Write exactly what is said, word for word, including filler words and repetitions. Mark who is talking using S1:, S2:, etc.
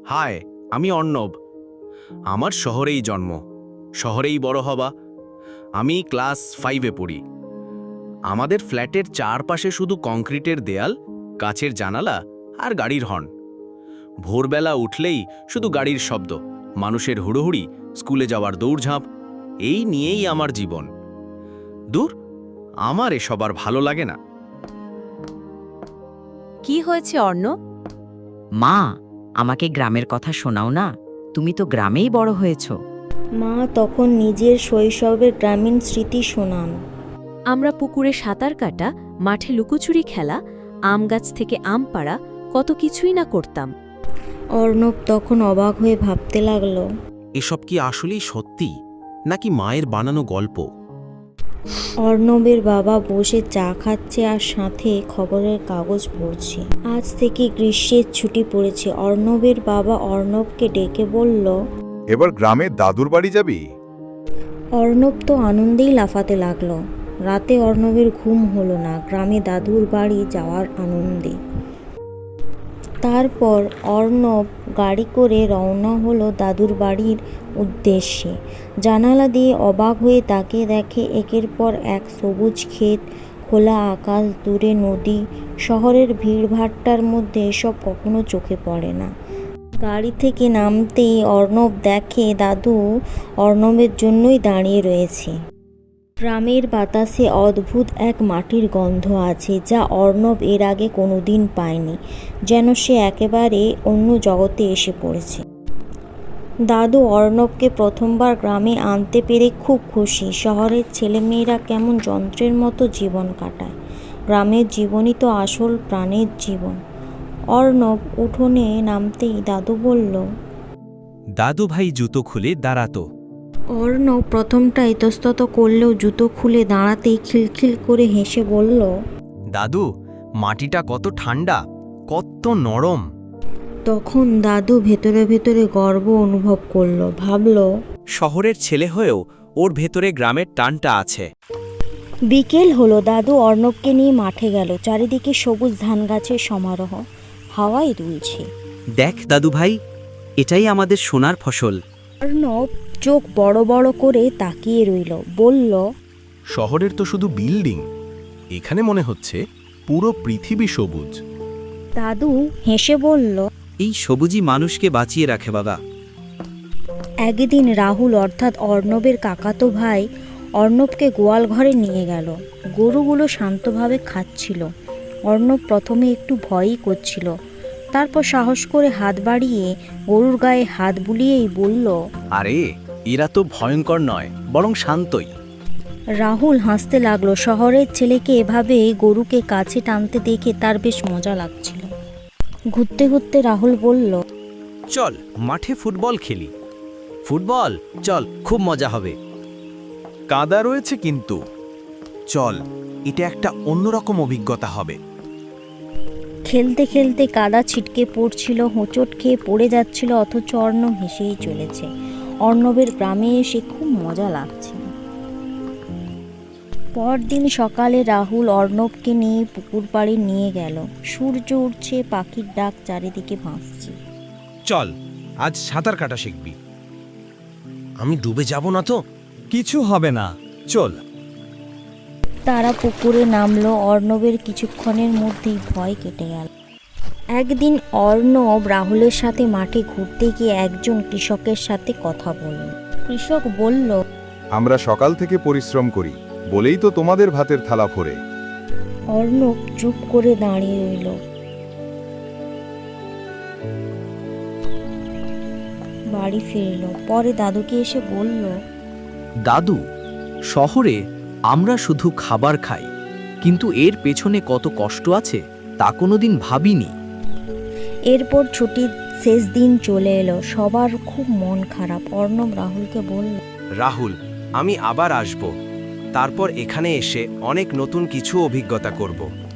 S1: High, আমি অর্ণব। আমার শহরেই জন্ম, শহরেই বড় হবা। আমি ক্লাস ফাইভে পড়ি। আমাদের ফ্ল্যাটের চারপাশে শুধু কংক্রিটের দেয়াল, কাচের জানালা আর গাড়ির হর্ন। ভোরবেলা উঠলেই শুধু গাড়ির শব্দ, মানুষের হুড়োহুড়ি, স্কুলে যাওয়ার দৌড়ঝাঁপ। এই নিয়েই আমার জীবন। দূর, আমার এসব আর ভালো লাগে না।
S2: কি হয়েছে অর্ণব?
S3: মা, আমাকে গ্রামের কথা শোনাও না। তুমি তো গ্রামেই বড় হয়েছো।
S4: মা তখন নিজের শৈশবের গ্রামীণ স্মৃতি শোনান।
S2: আমরা পুকুরে সাঁতার কাটা, মাঠে লুকোচুরি খেলা, আম গাছ থেকে আম পাড়া, কত কিছুই না করতাম।
S4: অর্ণব তখন অবাক হয়ে ভাবতে লাগলো,
S1: এসব কি আসলেই সত্যি নাকি মায়ের বানানো গল্প?
S4: অর্ণবের বাবা বসে চা খাচ্ছে আর সাথে খবরের কাগজ পড়ছে। আজ থেকে গ্রীষ্মের ছুটি পড়েছে। অর্ণবের বাবা অর্ণবকে ডেকে বলল,
S5: এবার গ্রামে দাদুর বাড়ি যাবি?
S4: অর্ণব তো আনন্দেই লাফাতে লাগলো। রাতে অর্ণবের ঘুম হলো না গ্রামে দাদুর বাড়ি যাওয়ার আনন্দে। তারপর অর্ণব গাড়ি করে রওনা হলো দাদুর বাড়ির উদ্দেশ্যে। জানালা দিয়ে অবাক হয়ে তাকিয়ে দেখে একের পর এক সবুজ ক্ষেত, খোলা আকাশ, দূরে নদী। শহরের ভিড়ভাট্টার মধ্যে এসব কখনো চোখে পড়ে না। গাড়ি থেকে নামতেই অর্ণব দেখে দাদু অর্ণবের জন্যই দাঁড়িয়ে রয়েছে। গ্রামের বাতাসে অদ্ভুত এক মাটির গন্ধ আছে, যা অর্ণব এর আগে কোনোদিন পায়নি। যেন সে একেবারে অন্য জগতে এসে পড়েছে। দাদু অর্ণবকে প্রথমবার গ্রামে আনতে পেরে খুব খুশি। শহরের ছেলেমেয়েরা কেমন যন্ত্রের মতো জীবন কাটায়, গ্রামের জীবনই তো আসল প্রাণের জীবন। অর্ণব উঠোনে নামতেই দাদু বলল,
S1: দাদু ভাই জুতো খুলে দাঁড়াতো।
S4: অর্ণব প্রথমটা ইতস্তত করলেও জুতো খুলে দাঁড়াতেই খিলখিল করে হেসে বলল,
S1: দাদু, মাটিটা কত ঠান্ডা, কত নরম।
S4: তখন দাদু ভেতরে ভেতরে গর্ব অনুভব করলো। ভাবল,
S1: শহরের ছেলে হয়েও ওর ভেতরে গ্রামের টানটা আছে।
S4: বিকেল হলো। দাদু অর্ণবকে নিয়ে মাঠে গেল। চারিদিকে সবুজ ধান গাছের সমারোহ, হাওয়ায় দুলছে।
S6: দেখ দাদু ভাই, এটাই আমাদের সোনার ফসল।
S4: অর্ণব চোখ বড় বড় করে তাকিয়ে রইল। বলল,
S1: শহরের তো শুধু বিল্ডিং, এখানে মনে হচ্ছে পুরো পৃথিবী সবুজ।
S4: দাদু হেসে বলল,
S6: এই সবুজই মানুষকে বাঁচিয়ে রাখে বাবা।
S4: একদিন রাহুল অর্থাৎ অর্ণবের কাকাতো ভাই অর্ণবকে গোয়াল ঘরে নিয়ে গেল। গরুগুলো শান্তভাবে খাচ্ছিল। অর্ণব প্রথমে একটু ভয়ই করছিল, তারপর সাহস করে হাত বাড়িয়ে গরুর গায়ে হাত বুলিয়েই বলল,
S1: আরে, এরা তো ভয়ঙ্কর নয়, বরং শান্তই।
S4: রাহুল হাসতে লাগলো। শহরের ছেলেকে এভাবে গরুকে কাছে টানতে দেখে তার বেশ মজা লাগছিল। ঘুরতে ঘুরতে রাহুল বলল,
S1: চল মাঠে ফুটবল খেলি। ফুটবল, চল, খুব মজা হবে। কাদা রয়েছে কিন্তু, চল, এটা একটা অন্যরকম অভিজ্ঞতা হবে।
S4: খেলতে খেলতে কাদা ছিটকে পড়ছিল, হোঁচট খেয়ে পড়ে যাচ্ছিল, অথচ অর্ণব হেসেই চলেছে। অর্ণবের গ্রামে এসে খুব মজা লাগছিল। পরদিন সকালে রাহুল অর্ণবকে নিয়ে পুকুর পাড়ে নিয়ে গেল। সূর্য উঠছে, পাখির ডাক চারিদিকে ভাসছে।
S1: চল, আজ সাঁতার কাটা শিখবি। আমি ডুবে যাব না তো? কিছু হবে না, চল।
S4: তারা পুকুরে নামলো। অর্ণবের কিছুক্ষণের মধ্যেই ভয় কেটে গেল। একদিন অর্ণব রাহুলের সাথে মাঠে ঘুরতে গিয়ে একজন কৃষকের সাথে কথা বলল। কৃষক বলল,
S5: আমরা সকাল থেকে পরিশ্রম করি বলেই তো তোমাদের ভাতের থালা ভরে।
S4: অর্ণব চুপ করে দাঁড়িয়ে রইল। বাড়ি ফিরল। পরে দাদুকে এসে বলল,
S6: দাদু, শহরে আমরা শুধু খাবার খাই, কিন্তু এর পেছনে কত কষ্ট আছে তা কোনোদিন ভাবিনি।
S4: এরপর ছুটির শেষ দিন চলে এলো। সবার খুব মন খারাপ। অর্ণব রাহুলকে বলল,
S1: রাহুল, আমি আবার আসব। তারপর এখানে এসে অনেক নতুন কিছু অভিজ্ঞতা করব।